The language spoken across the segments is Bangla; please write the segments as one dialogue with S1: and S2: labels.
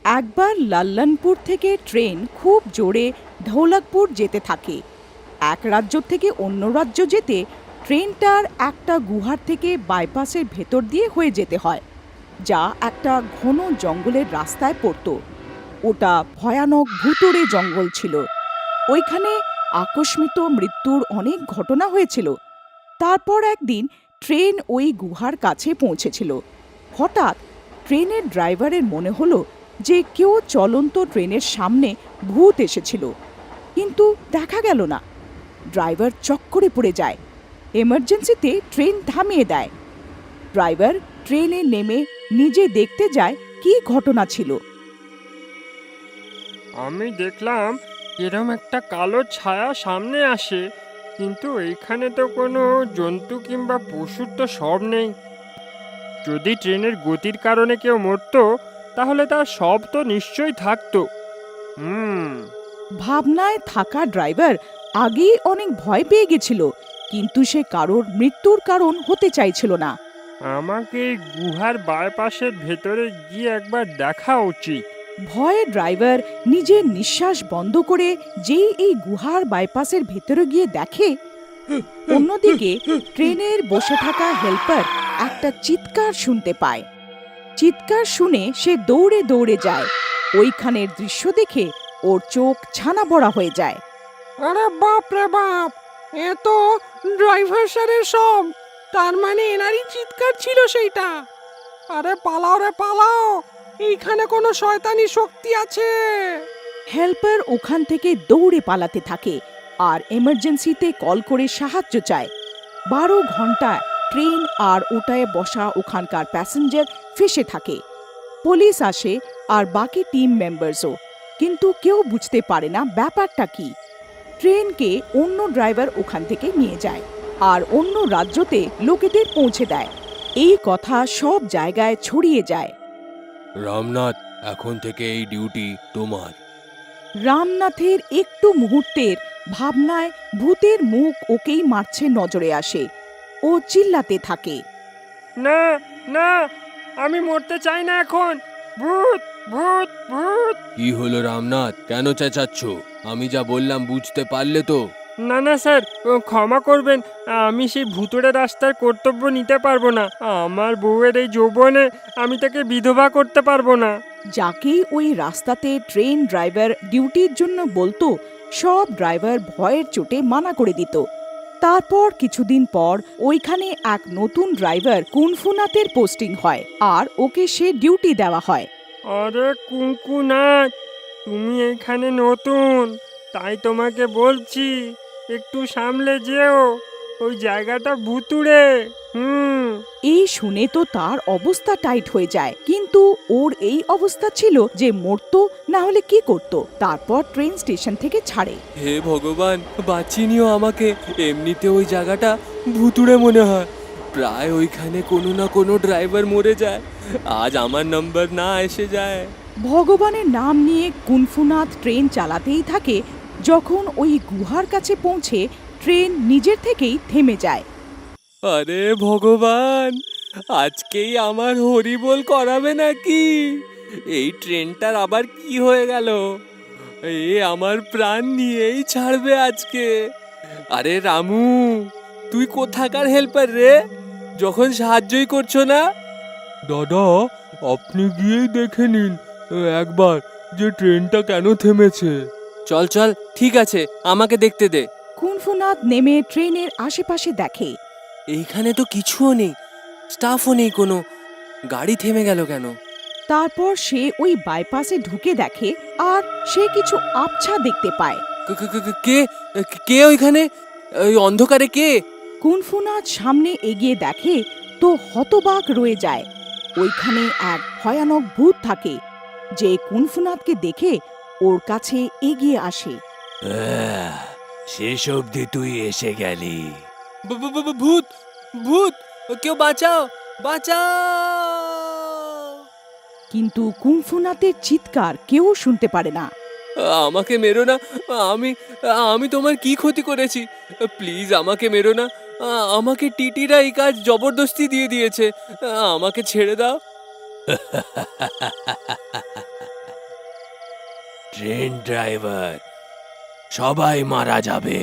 S1: একবার লাল্লানপুর থেকে ট্রেন খুব জোরে ধৌলাকপুর যেতে থাকে। এক রাজ্য থেকে অন্য রাজ্য যেতে ট্রেনটার একটা গুহার থেকে বাইপাসের ভেতর দিয়ে হয়ে যেতে হয়, যা একটা ঘন জঙ্গলের রাস্তায় পড়তো। ওটা ভয়ানক ভুতুড়ে জঙ্গল ছিল। ওইখানে আকস্মিত মৃত্যুর অনেক ঘটনা হয়েছিল। তারপর একদিন ট্রেন ওই গুহার কাছে পৌঁছেছিল। হঠাৎ ট্রেনের ড্রাইভারের মনে হলো যে কেউ চলন্ত ট্রেনের সামনে ভূত এসেছিল, কিন্তু দেখা গেল না। ড্রাইভার চক্করে পড়ে যায়। এমার্জেন্সিতে ট্রেন থামিয়ে দেয়। ড্রাইভার ট্রেনে নেমে নিজে দেখতে যায় কী ঘটনা ছিল।
S2: আমি দেখলাম এরম একটা কালো ছায়া সামনে আসে, কিন্তু এইখানে তো কোনো জন্তু কিংবা পশুর তো সব নেই। যদি ট্রেনের গতির কারণে কেউ মরতো, তাহলে তার সব তো নিশ্চয়ই থাকতো। হুম।
S1: ভাবনায় থাকা ড্রাইভার আগেই অনেক ভয় পেয়ে গেছিল, কিন্তু সে কারোর মৃত্যুর কারণ হতে চাইছিল না।
S2: আমাকে এই গুহার বাইপাসের ভেতরে গিয়ে একবার দেখা উচিত।
S1: ভয়ে ড্রাইভার নিজের নিঃশ্বাস বন্ধ করে যেই এই গুহার বাইপাসের ভেতরে গিয়ে দেখে, অন্যদিকে ট্রেনের বসে থাকা হেল্পার একটা চিৎকার শুনতে পায়। চিৎকার শুনে সে দৌড়ে দৌড়ে যায়। ওইখানের দৃশ্য দেখে ওর চোখ ছানা বড়া হয়ে যায়।
S3: আরে বাপ রে বাপ, এ তো ড্রাইভার স্যারের সব। তার মানে এনারই চিৎকার ছিল সেইটা। আরে পালাও রে পালাও, এইখানে কোনো শয়তানি শক্তি আছে।
S1: হেল্পার ওখান থেকে দৌড়ে পালাতে থাকে আর এমার্জেন্সিতে কল করে সাহায্য চায়। 12 ঘন্টা ট্রেন আর ওটায় বসা ওখানকার প্যাসেঞ্জার ফেসে থাকে। পুলিশ আসে আর বাকি টিম মেম্বার্সও, কিন্তু কেউ বুঝতে পারে না ব্যাপারটা কি। ট্রেনকে অন্য ড্রাইভার ওখান থেকে নিয়ে যায় আর অন্য রাজ্যতে লোকেদের পৌঁছে দেয়। এই কথা সব জায়গায় ছড়িয়ে যায়।
S4: রামনাথ, এখন থেকে এই ডিউটি তোমার।
S1: রামনাথের একটু মুহূর্তের ভাবনায় ভূতের মুখ ওকেই মারছে নজরে আসে। ও চিল্লাতে থাকে,
S2: না, না, আমি মরতে চাই না এখন। ভূত, ভূত, ভূত।
S4: কি হলো রামনাথ, কেন চেঁচাচ্ছ? আমি যা বললাম বুঝতে পারলে তো?
S2: না না স্যার, ক্ষমা করবেন। আমি সেই ভুতুড়ে রাস্তার কর্তব্য নিতে পারবো না। আমার বউয়ের এই যৌবনে আমি তাকে বিধবা করতে পারবো না।
S1: যাকেই ওই রাস্তাতে ট্রেন ড্রাইভার ডিউটির জন্য বলতো, সব ড্রাইভার ভয়ের চোটে মানা করে দিত। তারপর কিছুদিন পর ওইখানে এক নতুন ড্রাইভার কুনফুনাথের পোস্টিং হয় আর ওকে সে ডিউটি দেওয়া হয়।
S2: আরে কুঙ্কুনাথ, তুমি এখানে নতুন, তাই তোমাকে বলছি একটু সামলে যেও। ওই জায়গাটা ভুতুড়ে। হুম।
S1: এই শুনে তো তার অবস্থা টাইট হয়ে যায়, কিন্তু ওর এই অবস্থা ছিল যে মরতো না হলে কি করত। তারপর ট্রেন স্টেশন থেকে ছাড়ে।
S4: হে ভগবান, বাঁচিয়ে নিও আমাকে। এমনিতে ওই জায়গাটা ভুতুড়ে মনে হয়। প্রায় ওইখানে কোনো না কোনো ড্রাইভার মরে যায়। আজ আমার নাম্বার না এসে যায়।
S1: ভগবানের নাম নিয়ে কুনফুনাথ ট্রেন চালাতেই থাকে। যখন ওই গুহার কাছে পৌঁছে ট্রেন নিজের থেকেই থেমে যায়।
S4: আরে ভগবান, আজকেই আমার হরিবোল করাবে নাকি? এই ট্রেনটার আবার কি হয়ে গেল? এ আমার প্রাণ নিয়েই ছাড়বে আজকে। আরে রামু, তুই কোথাকার হেল্পার রে, যখন সাহায্যই করছো না? দাদা, আপনি গিয়েই দেখে নিন একবার যে ট্রেনটা কেন থেমেছে। চল চল, ঠিক আছে, আমাকে দেখতে দে।
S1: কুনফুনাথ নেমে ট্রেনের আশেপাশে দেখে।
S4: এইখানে তো কিছুও নেই, স্টাফও নেই কোনো। গাড়ি থেমে গেল কেন?
S1: তারপর সে ওই বাইপাসে ঢুকে দেখে আর সে কিছু আবছা দেখতে পায়।
S4: কে কে ওইখানে, ওই অন্ধকারে কে?
S1: কুনফুনাথ সামনে এগিয়ে দেখে তো হতবাক রয়ে যায়। ওইখানে এক ভয়ানক ভূত থাকে, যে কুনফুনাথকে দেখে ওর কাছে এগিয়ে আসে।
S4: শেষ অবধি তুই এসে গেলি। ভূত, ভূত, কেউ বাঁচাও, বাঁচাও!
S1: কিন্তু কুনফুনাথের চিৎকার কেউ শুনতে পারে না।
S4: আমাকে মেরো না। আমি আমি তোমার কি ক্ষতি করেছি? প্লিজ আমাকে মেরো না। আমাকে টিটিরা এই কাজ জবরদস্তি দিয়ে দিয়েছে। আমাকে ছেড়ে দাও। ট্রেন ড্রাইভার, সবাই মারা যাবে।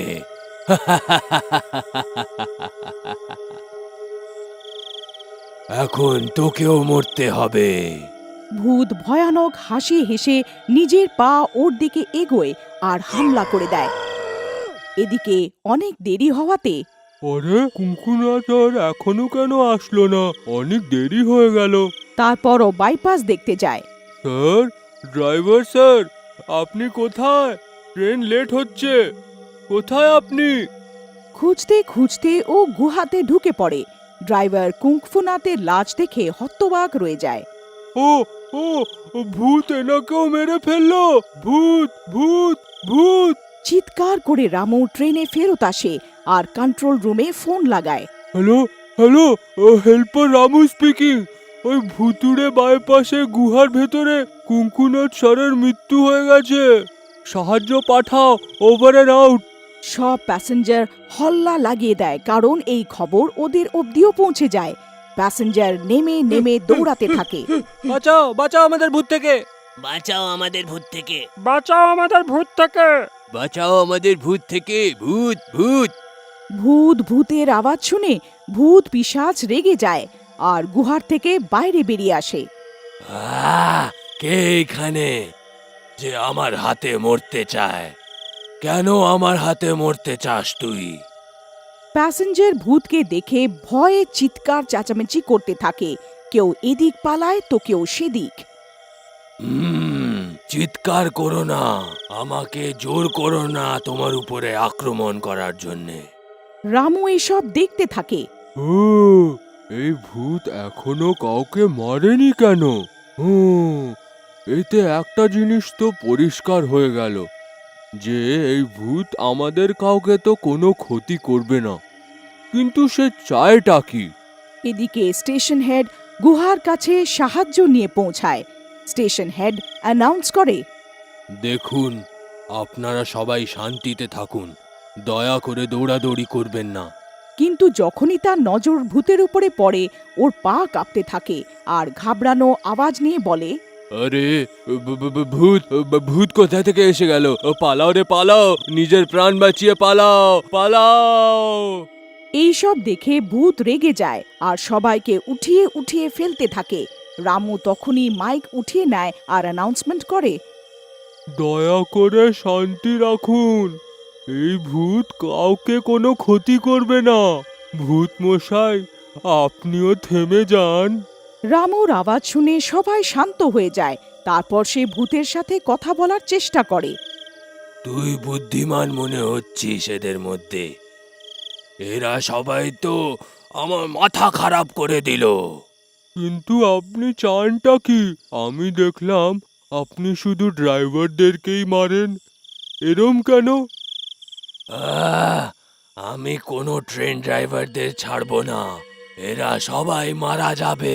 S4: এখন তোকেও মরতে হবে।
S1: ভূত ভয়ানক হাসি হেসে নিজের পা ওর দিকে এগোয় আর হামলা করে দেয়। এদিকে অনেক দেরি হওয়াতে
S2: আরে কুঙ্কুনাথ আর এখনো কেন আসলো না? অনেক দেরি হয়ে গেল।
S1: তারপরও বাইপাস দেখতে যায়।
S2: স্যার, ড্রাইভার স্যার, আপনি কোথায়? ট্রেন লেট হচ্ছে। কোথায় আপনি?
S1: খুঁজতে খুঁজতে ও গুহাতে ঢুকে পড়ে। ড্রাইভার কুংফুনাথের লাশ দেখে হতবাক রয়ে যায়।
S2: ও ও ভূত এনাকেও মেরে ফেললো। ভূত ভূত ভূত!
S1: চিৎকার করে রামু ট্রেনে ফেরত আসে আর কন্ট্রোল রুমে ফোন লাগায়।
S2: Hello hello, helper Ramu speaking. ওই ভুতুড়ে বাইপাসে গুহার ভেতরে কুঙ্কুনাথ স্যারের মৃত্যু হয়ে গেছে। সাহায্য পাঠাও, ওভার অ্যান্ড আউট।
S1: সব প্যাসেঞ্জার হল্লা লাগিয়ে দেয়, কারণ এই খবর ওদের অবধিও পৌঁছে যায়। প্যাসেঞ্জার নেমে নেমে দৌড়াতে থাকে।
S4: বাঁচাও, বাঁচাও আমাদের ভূত থেকে!
S5: বাঁচাও আমাদের ভূত থেকে।
S2: বাঁচাও আমাদের ভূত থেকে!
S4: বাঁচাও আমাদের ভূত থেকে! ভূত ভূত!
S1: ভূতের আওয়াজ শুনে ভূত পিশাচ রেগে যায় আর গুহার থেকে বাইরে বেরিয়ে আসে।
S4: কে এখানে যে আমার হাতে মরতে চায়? কেন আমার হাতে মরতে চাস তুই?
S1: প্যাসেঞ্জার ভূতকে দেখে ভয়ে চিৎকার চেঁচামেচি করতে থাকে। কেউ এদিক পালায় তো কেউ সেদিক।
S4: চিৎকার করো না, আমাকে জোর করো না তোমার উপরে আক্রমণ করার জন্যে।
S1: রামু এসব দেখতে থাকে।
S2: ও, এই ভূত এখনো কাউকে মারেনি কেন? এতে একটা জিনিস তো পরিষ্কার হয়ে গেল যে এই ভূত আমাদের কাউকে তো কোনো ক্ষতি করবে না, কিন্তু সে চায়টা কি?
S1: এদিকে স্টেশন হেড গুহার কাছে সাহায্য নিয়ে পৌঁছায়। স্টেশন হেড অ্যানাউন্স করে,
S4: দেখুন, আপনারা সবাই শান্তিতে থাকুন, দয়া করে দৌড়াদৌড়ি করবেন না।
S1: কিন্তু যখনই তার নজর ভূতের উপরে পড়ে ওর পা কাঁপতে থাকে আর ঘাবড়ানো আওয়াজ নিয়ে বলে,
S4: আরে ভূত ভূত কোথা থেকে এসে গেল? পালাও রে পালাও, নিজের প্রাণ বাঁচিয়ে পালাও, পালাও!
S1: এইসব দেখে ভূত রেগে যায় আর সবাইকে উঠিয়ে উঠিয়ে ফেলতে থাকে। রামু তখনই মাইক উঠিয়ে নেয় আর অ্যানাউন্সমেন্ট করে,
S2: দয়া করে শান্তি রাখুন, এই ভূত কাউকে কোনো ক্ষতি করবে না। ভূত মশাই, আপনিও থেমে যান।
S1: রামুর আওয়াজ শুনে সবাই শান্ত হয়ে যায়। তারপর সে ভূতের সাথে কথা বলার চেষ্টা করে।
S4: তুই বুদ্ধিমান মনে হচ্ছিস এদের মধ্যে। এরা সবাই তো আমার মাথা খারাপ করে দিল।
S2: কিন্তু আপনি চানটা কি? আমি দেখলাম আপনি শুধু ড্রাইভারদেরকেই মারেন, এরম কেন?
S4: আমি কোনো ট্রেন ড্রাইভারদের ছাড়বো না, এরা সবাই মারা যাবে।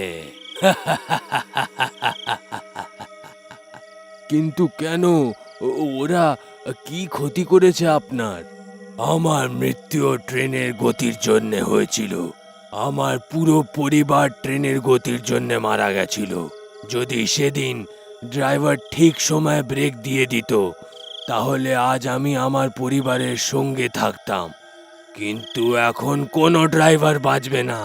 S4: কিন্তু কেন? ওরা কি ক্ষতি করেছে আপনার? আমার মৃত্যু ট্রেনের গতির জন্য হয়েছিল। আমার পুরো পরিবার ট্রেনের গতির জন্য মারা গেছিল। যদি সেদিন ড্রাইভার ঠিক সময় ব্রেক দিয়ে দিত, তাহলে আজ আমি আমার পরিবারের সঙ্গে থাকতাম। কিন্তু এখন কোনো ড্রাইভার বাঁচবে না।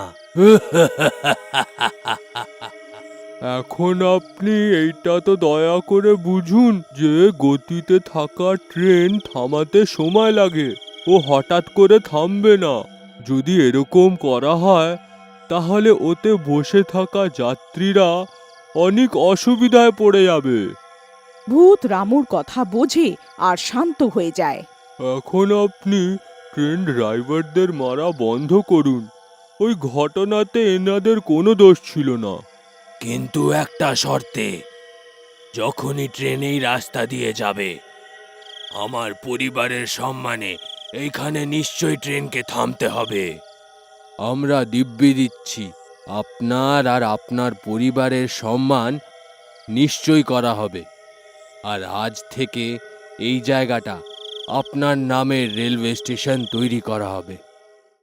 S2: এখন আপনি এইটা তো দয়া করে বুঝুন যে গতিতে থাকা ট্রেন থামাতে সময় লাগে, ও হঠাৎ করে থামবে না। যদি এরকম করা হয় তাহলে ওতে বসে থাকা যাত্রীরা অনেক অসুবিধায় পড়ে যাবে।
S1: ভূত রামুর কথা বোঝে আর শান্ত হয়ে যায়।
S2: এখন আপনি ট্রেন ড্রাইভারদের মারা বন্ধ করুন। ওই ঘটনাতে এনাদের কোনো দোষ ছিল না।
S4: কিন্তু একটা শর্তে, যখনই ট্রেন এই রাস্তা দিয়ে যাবে, আমার পরিবারের সম্মানে এইখানে নিশ্চয়ই ট্রেনকে থামতে হবে। আমরা দিব্যি দিচ্ছি, আপনার আর আপনার পরিবারের সম্মান নিশ্চয়ই করা হবে। আর আজ থেকে এই জায়গাটা আপনার নামের রেলওয়ে স্টেশন তৈরি করা হবে।